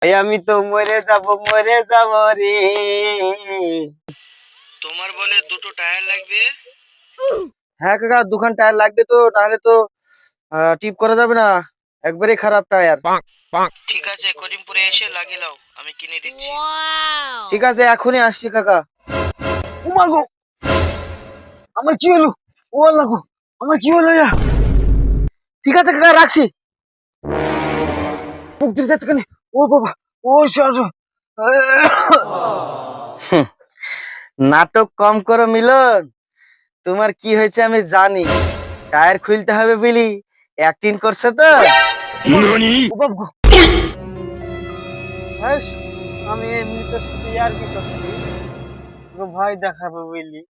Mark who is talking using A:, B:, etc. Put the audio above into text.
A: এই আমি তো মরে যাব রে।
B: তোমার বলে দুটো টায়ার লাগবে।
A: হ্যাঁ কাকা, দুখান টায়ার লাগবে তো, নাহলে তো টিপ করা যাবে না, একবারে খারাপ টায়ার।
B: ঠিক আছে, করিমপুরে এসে লাগিয়ে লাও, আমি কিনে দিচ্ছি।
A: ঠিক আছে, এখনই আসছি কাকা। উমা গো, আমার কি হলো? ও আল্লাহ গো, আমার কি হলো? ঠিক আছে কাকা, রাখছি। মুখ দিয়ে যাচ্ছে কেন? ও বাবা, ও সর। নাটক কম করো মিলন, তোমার কি হয়েছে আমি জানি। টায়ার খুলতে হবে বলি অ্যাক্টিং করছে তো। ও বাবা গো, হ্যাস, আমি এমনিতে সাথে আর কি করছি, তোকে ভয় দেখাবো বুঝলি।